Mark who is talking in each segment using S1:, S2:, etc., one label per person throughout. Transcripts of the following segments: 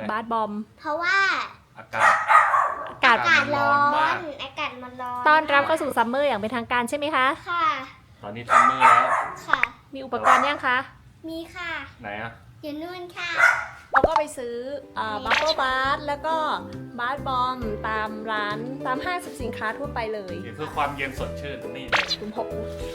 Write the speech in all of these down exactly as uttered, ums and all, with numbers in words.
S1: บาสบอม
S2: เพราะว่า
S3: อากาศ
S1: อากาศ
S2: อากาศร้อนอากาศมันร้อน
S1: ต้อนรับเข้าสู่ซัมเมอร์อย่างเป็นทางการใช่ไหมคะ
S2: ค่ะ
S3: ตอนนี้ซัมเมอร์แล้ว
S2: ค่ะ
S1: มีอุปกรณ์ยังคะ
S2: มีค่ะ
S3: ไหนอะ
S2: อยู่นู่นค่ะ
S1: เราก็ไปซื้อบัฟเฟิลบาสแล้วก็บาสบอมตามร้านตามห้างสรรพสินค้าทั่วไปเลย
S3: เพื่อความเย็นสดชื่นนี่เลย
S1: คุณพก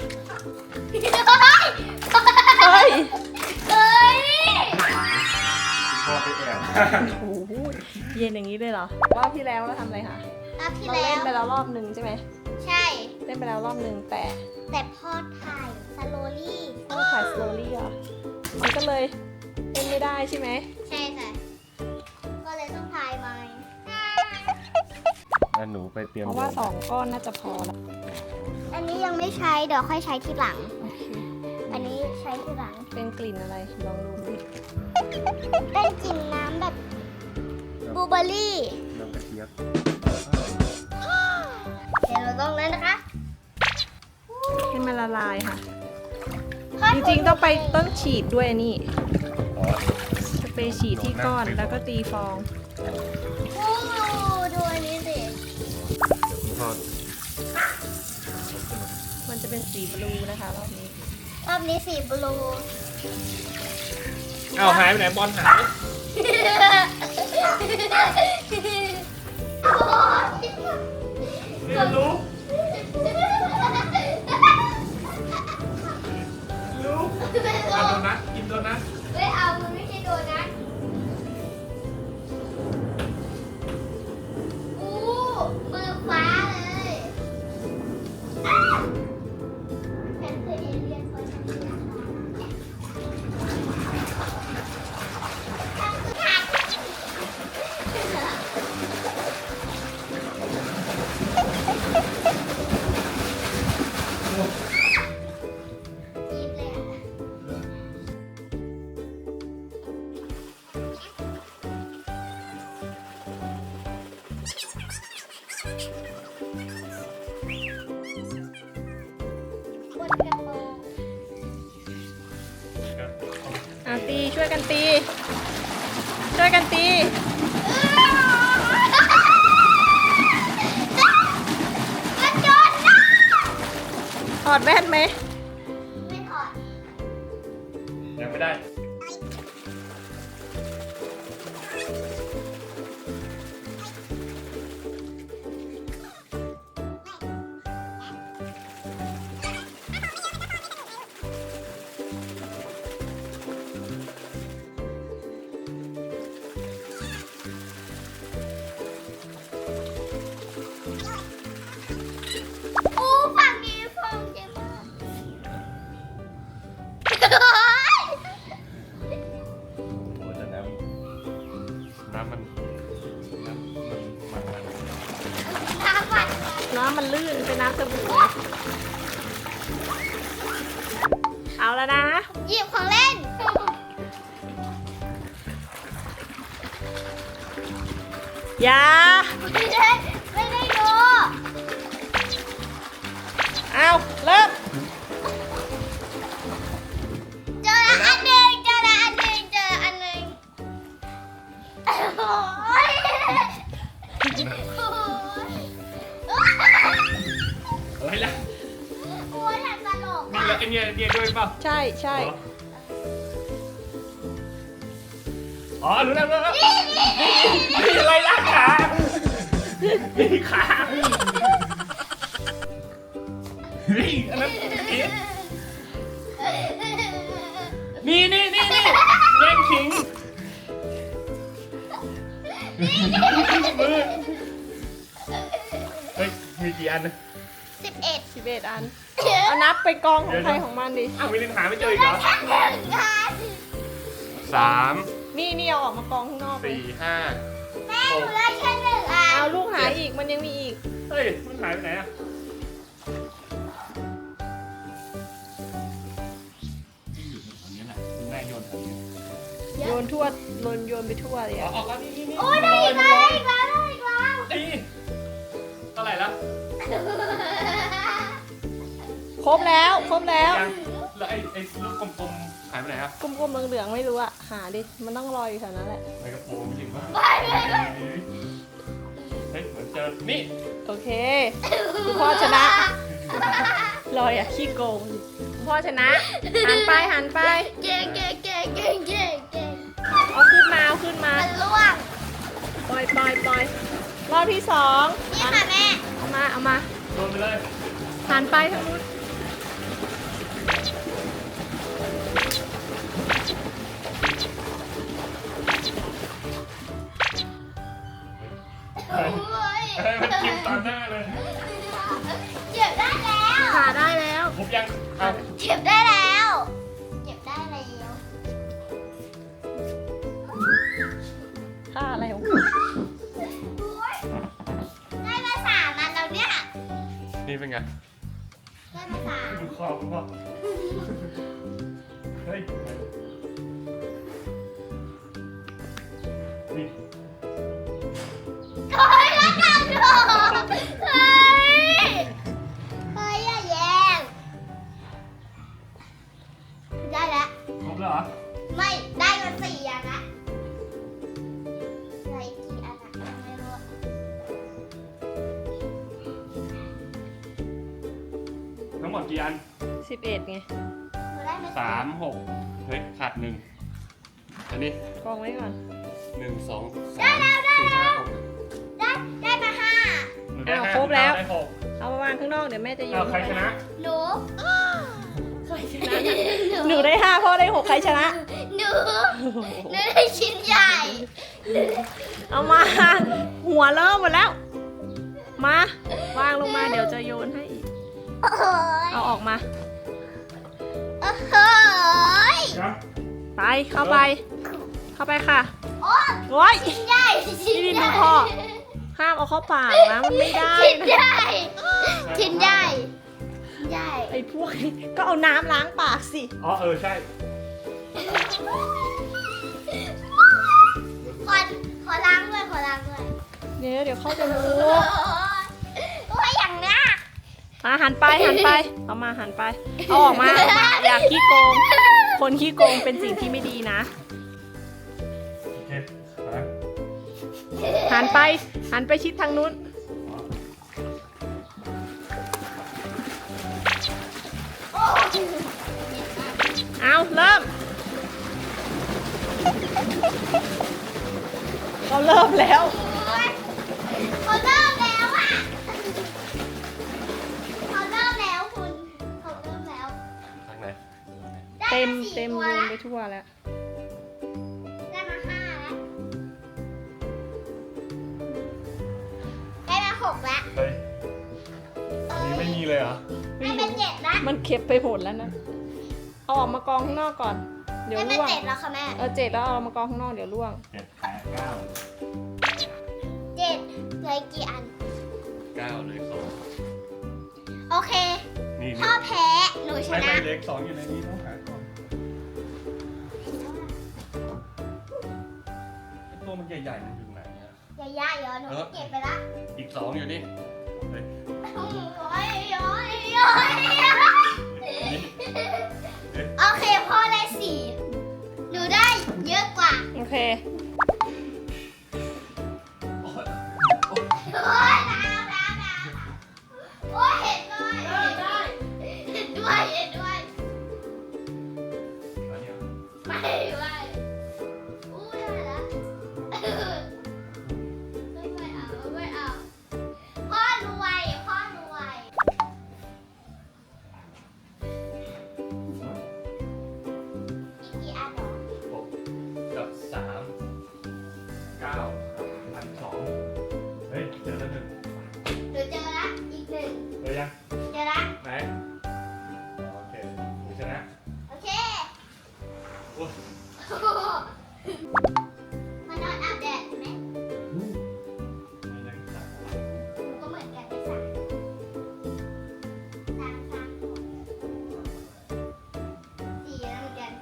S2: เฮ้ยเฮ้ย
S3: พ่อไปแอบ
S1: โอ้โหเย็นอย่างนี้เลยเหรอรอบที่แล้วเราทำอะไรคะ
S2: รอบที่
S1: เรา
S2: แล้ว
S1: เล่นไปแล้วรอบหนึ่งใช่ไหม
S2: ใช่
S1: เล่นไปแล้วรอบหนึ่งแต่
S2: แต่พอถ่ายสโลลี่
S1: ต้องถ่ายสโลลี่เหรอมันก็เลยเล่นไม่ได้ใช่ไหม
S2: ใช่ค่ะก็เลยต้องถ่ายใหม่
S3: แล้วหนูไปเตรียม
S1: เพราะว่าสองก้อนน่าจะพอแล้ว
S2: อันนี้ยังไม่ใช้เดี๋ยวค่อยใช้ทีหลังอันนี้ใช้ทีหลัง
S1: เป็นกลิ่นอะไรลองดูดิ
S2: เป็นกลิ่นน้ำแบบบลูเบอร์รี่
S3: น้ำกระเทียม
S2: เดี๋ยวเราต้องนั้นนะคะ
S1: ให้มันละลายค่ะจริงๆต้องไปต้นฉีดด้วยนี่สเปรย์ฉีดที่ก้อนแล้วก็ตีฟอง
S2: โอ้ดูอันนี้สิ
S1: มันจะเป็นสีบลูนะคะรอบนี้
S2: รอบนี้สีบลู
S3: เอาหายไปไหนบอลหายนี่รู้รู้เอาโดนัทกินโดนัท
S2: ไม่เอามันไม่ใช่โดนัทอู้มือฟ้าเลยฉันคือเอเลี่ยนเพราะฉันคือนักล่า
S1: อ่ะตีช่วยกันตีช่วยกันตีถอดแว่นไหม
S2: ไม่ถอด
S3: ยังไม่ได้
S1: น้ำมันลื่นเป็นน้ำสบู่เอาแล้วนะ
S2: หยิบของเล่น
S1: อย่า
S2: ไม่ได้ไม่ได้ดู
S1: เอาเริ่ม
S2: เจออันหนึ่งเจออันหนึ่งเจออันหนึ่งโอ้ย
S3: เฮ้ยละ
S2: โอ้ยหลังตลก
S3: มีแล้วกันเนี่ยเนี่ยด้วยเปล่า
S1: ใช่ใช่
S3: อ๋อรู้แล้วรู้แล้วนี่อะไรล่ะขานี่ขานี่อันนั้นนี่นี่นี่นี่แย่งขิงมือเฮ้ยมีกี่อันนะ
S2: สิบเอ็ด
S1: สิบเอ็ดอันเอานับไปกองของใครของมันดิ
S3: อ้าววิลินหาไม่เจออีกเหรอสาม
S1: นี่นี่เอาออกมากองข้างนอก
S3: สี่ห้า
S2: แม่หนูได้แค่หนึ่งอัน
S1: เอาลูกหายอีกมันยังมีอีก
S3: เฮ้ยมันหายไปไหนอะที่อยู่แถวนี้แหละคุณแม่โยนแถวนี้
S1: โยนทั่วโยนโยนไปทั่วเลยอ่ะ
S3: อ๋อก็นี่นี่นี่
S2: โอ้ยได้อีกแล้วได้อีกแล้วได้อีกแล้ว
S3: นี่เท่าไหร่ละ
S1: ครบแล้วครบแล้ว
S3: แล้วไอ้ไอ้ลูกกลมๆหายไปไหนครับ
S1: กลมๆเหลืองๆไม่รู้อะหาดิ มันต้องลอยอยู่แถวนั้นแหละ
S3: ในกระโปรงจริงป่ะ
S2: ไปไปไป
S3: เฮ้ยเหมือนเจอนี่
S1: โอเคคุณพ่อชนะลอยอะขี้โกงคุณพ่อชนะ หันไปหันไป
S2: เก่งเก่งเก่งเก่งเก่งเก่ง
S1: เอาขึ้นมาเอาขึ้นมา
S2: มันล่วง
S1: ปล่อยปล่อยปล่อยรอบที่สอง
S2: นี่ค่ะแม่
S1: เอามาเอามา
S3: โดนไปเลย
S1: หันไปทางนู้น
S3: เฮ้ย
S2: โอ้ย
S3: เฮ้ยมันจิ้มตาหน้าเลย
S2: เก็บได้แล้ว
S1: ขาได้แล้ว
S3: ผมยังเอา
S2: เก็บได้แล้วเก็บได้แล้ว
S1: ขาอะไรของ
S2: โอ้ยได้มาสามอันแล้วเนี่ย
S3: นี่เป็นไง
S2: ได้มาสาม
S3: ดูคอคุณพ่อเฮ้ยนี่
S2: เฮ้ยแล้วกันเถอะเฮ้ยเฮ้ยอย่าแย่งได้แล้ว
S3: ครบแล้วเหรอ
S2: ไม่ได้มาสี่อันละได้กี่อันอะยังไม่รู้
S3: ทั้งหมดกี่อัน
S1: สิบเอ็ดไง
S2: หนูได้มา
S3: สามหกเฮ้ยขาดหนึ่งอันนี้
S1: กองไว้ก่อน
S3: หนึ่งสองสามสี่ห้าหก
S2: ได้ได้มาห้า
S3: หนูได้
S1: อ้าว
S3: ห้า
S1: ครบแล้ว
S3: ได้หก
S1: เอามาวางข้างนอกเดี๋ยวแม่จะโย
S3: เอา
S1: น
S3: ใครชนะ
S2: หนู
S1: ใครชนะ หนูได้ห้าพ่อได้หกใครชนะ
S2: หนูหนูได้ชิ้นใหญ่
S1: เอามา หัวเริ่มหมดแล้ว มาวางลงมาเดี๋ยวจะโยนให้อีก
S2: โอ้ย
S1: เอาออกมา
S2: โอ้โหย
S3: ครับ
S1: ไปเข้าไป เข้าไปค่ะ
S2: โอ้ย
S1: โอ้ย
S2: ชิ้นใหญ่ชิ้น
S1: นี่
S2: ให
S1: ดู
S2: ญ่
S1: พ่อ ห้ามเอาเข้าปากนะมันไม่ได้
S2: ชิ้น
S1: นะ
S2: ใหญ่ชิ้นใหญ่ชิ้นใหญ่
S1: ไอ้พวกนี้ก็เอาน้ำล้างปากสิ
S3: อ๋อเออใช่
S2: ขอขอล้างด้วยขอล้างด้วย
S1: เดี๋ยวเดี๋ยวเข้าจะรู้
S2: โอ้ยโอ้ยอย่างนี้
S1: มาหันไปหันไป เอามาหันไป เอาออกมาเอามาอยากขี้โกง คนขี้โกงเป็นสิ่งที่ไม่ดีนะ
S3: โอเคไป
S1: หันไป หันไปชิดทางนู้น
S2: โอ้ย
S1: เอาเริ่ม เราเริ่มแล้ว
S2: เขาเริ่มแล้วอ่ะเขาเริ่มแล้วคุณเขาเริ่มแล้ว
S3: ทางไหน
S2: ได้
S1: เต็ม
S2: าสี่
S1: เต็ม
S2: ตัว
S1: โยน
S2: แล้ว
S1: ไปทั่วแล้ว
S2: ได้มาห้าแล้วได้มาหกแล้ว
S3: เฮ้ยอันนี้ไม่มีเลยเหรอ
S2: ได้เป็นเจ็ดแล้ว
S1: มันเก็บไปหมดแล้วนะ เอาออกมากองข้างนอกก่อน เดี๋ยว
S2: ได้เป็น
S1: ร่วง
S2: เจ็ดแล้วค่ะแม่
S1: เออเจ็ดแล้วเอามากองข้างนอกเดี๋ยวร่วง
S3: เจ็ดแปดเก้า
S2: เจ็ดเหลืออีกกี่อัน
S3: เก้าเลยสอง
S2: โอเค
S3: นี่
S2: พ่อ
S3: นี่
S2: แพ้หนูช
S3: ไม่
S2: นะ
S3: ไม่เล็กสองอยู่ในนี้ต้องหาก่อนไอ้ตัวมันใหญ่ๆมันอยู่ไหนอะ
S2: อย่าย่าเดี๋ยวหนูเก็บไปละ
S3: อีกสองอยู่นี่เฮ้ย
S2: โอ้ยโอ้ยโอ้ยโอ้ย
S3: เอ๊ะ
S2: โอเคพ่อได้สี่หนูได้เยอะกว่า
S1: โอเค
S3: โอ๊ย
S2: โอ้ยน้ำน้ำน้ำโอ้ยเห็นด้วยเห็นด้วยเห็นด้วยเห็นด้วย
S3: อันนี้เหรอ
S2: ไม่ไม่อู้ได้ละไม่ไม่เอาไม่เอาพ่อรวยพ่อรวยอีกกี่อันหรอ
S3: หกกับสามเก้าพันสองเฮ้ยเจอแล้วหนึ่ง
S2: หนูเจอละอีกหนึ่ง
S3: เจอยัง
S2: เจอละ
S3: ไหนโอเคหนูชนะ
S2: โอเค
S3: โอ้ย
S2: มานอนอาบแดดใช่ไหม
S3: มีนักศึกษา
S2: หนูก็เหมือนกันได้สามสามสามหกสี่แล้วเหมือนกัน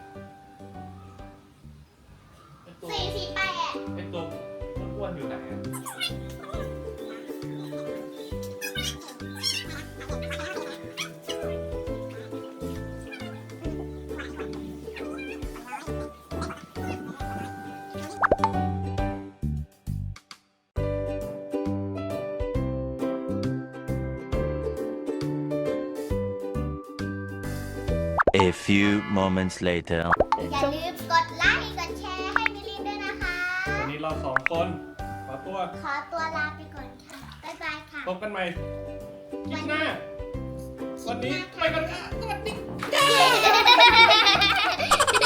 S3: ไอ้ตัว
S2: สี่สี่แปด
S3: ไอ้ตัวอ้วนๆอยู่ไหนอะ
S4: A few moments later.
S2: อย่าลืมกดไลค์กดแชร์ให้มิลินด้วยนะคะ
S3: วันนี้เราสองคนขอตัว
S2: ขอตัวลาไปก่อนค่ะ บ๊ายบายค่ะ
S3: พบกันใหม่คลิปหน้า วันนี้ไปก่อนค่ะสวัสดี
S2: Yeah.